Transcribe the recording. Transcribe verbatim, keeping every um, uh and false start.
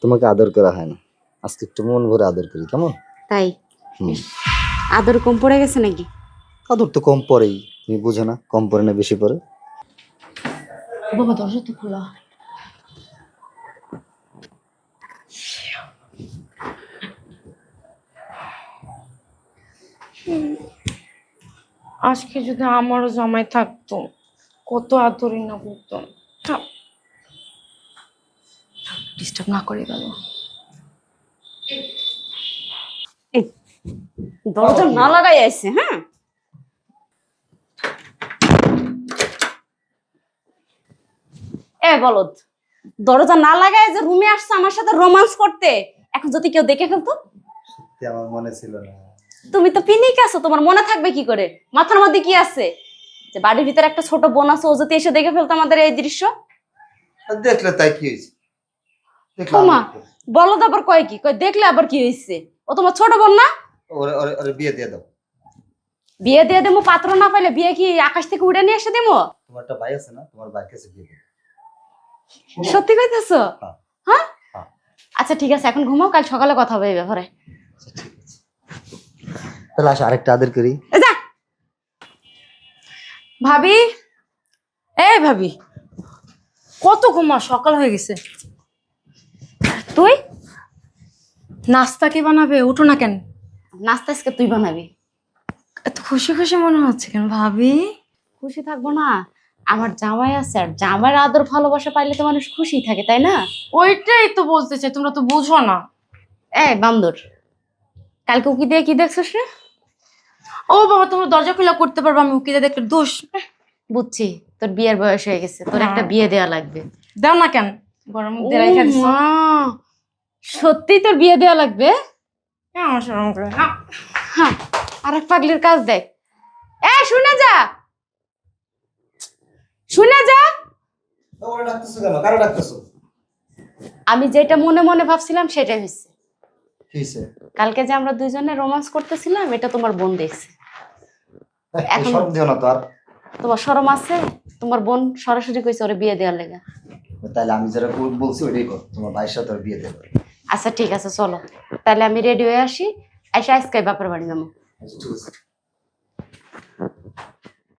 তোমাকে আদর করা হয় না, আজকে একটু মন ভরে আদর করি, কেমন? তাই হুম। আদর কম পড়ে গেছে নাকি? আদর তো কম পড়েই, তুমি বুঝো না, কম পড়ে না বেশি পড়ে। বাবা দরজা তো খোলা। আজকে যদি আমারও জামাই থাকতো, কত আদরই না করতো। ডিস্টার্ব না করে গেল। দরজা না লাগাই আছে। হ্যাঁ, এ বলদ, দরজা না লাগায় যে রুমে আসছে আমার সাথে রোমান্স করতে, এখন যদি কেউ দেখে ফেলতো? সত্যি আমার মনে ছিল না। তুমি তো পিনিক আছো, তোমার মনে থাকবে কি করে? মাথার মধ্যে কি আছে যে বাড়ির ভিতরে একটা ছোট বোন আছে, ও যদি এসে দেখে ফেলতো আমাদের এই দৃশ্য? আর দেখলে তাই কি হয়েছে? দেখলাম ওমা, বলদ আবার কয় কি? কয় দেখলে আবার কি হয়েছে? ও তোমার ছোট বোন না? ওরে ওরে ওরে বিয়ে দিয়ে দাও। বিয়ে দিয়ে দেবো? পাত্র না পাইলে বিয়ে কি আকাশ থেকে উড়ে নিয়ে এসে দেবো? তোমার একটা ভাই আছে না, তোমার ভাইয়ের কাছে বিয়ে দেবো। সত্যি কইতেছো? হ্যাঁ। হ্যাঁ, হ্যাঁ। আচ্ছা ঠিক আছে, এখন ঘুমাও, কাল সকালে কথা হবে এই ব্যাপারে। আচ্ছা ঠিক আছে, তাহলে আসো আরেকটা আদর করি। এ যা। ভাবি, এই ভাবি, কত ঘুমা, সকাল হয়ে গেছে। তুই নাস্তা কে বানাবে? উঠো না কেন? নাস্তা আজকে তুই বানাবি। এত খুশি খুশি মনে হচ্ছে কেন ভাবি? খুশি থাকবো না? আমার জামাই আছে, আর জামাইয়ের আদর ভালোবাসা পাইলে তো মানুষ খুশি থাকে, তাই না? ওইটাই তো বলতে চাই, তোমরা তো বুঝো না। এই বান্দর, কালকে উকি দিয়ে কি দেখছিস রে? ও বাবা, তোমরা দরজা খোলা করতে পারবে, আমি উকিলে দেখলে দোষ। বুঝছি, তোর বিয়ের বয়স হয়ে গেছে, তোর একটা বিয়ে দেয়া লাগবে। দাও না কেন, গরম মধ্যে রাইখা ও দিছো। মা, সত্যি তোর বিয়ে দেয়া লাগবে? কেন শরম করে না? হ্যাঁ, আর এক পাগলির কাজ দেখ। এ শুনে যা, শুনে যা। ওরে ডাকতেছো কেন? কারো ডাকতেছো? আমি যেটা মনে মনে ভাবছিলাম সেটাই হয়েছে। কি হয়েছে? কালকে যে আমরা দুইজনে রোমান্স করতেছিলাম, এটা তোমার বোন দেখছে। এখন শরম দিও না তো আর। তোমার শরম আছে? তোমার বোন সরাসরি কইছে ওরে বিয়ে দেওয়ার লেগা। তাহলে আমি যারা বলছি ওইটাই কর, তোমার ভাইয়ের সাথে ওর বিয়ে দেবো। আচ্ছা ঠিক আছে, চলো তাহলে আমি রেডি হয়ে আসি, এসে আজকে বাপের বাড়ি যাবো। আচ্ছা ঠিক আছে।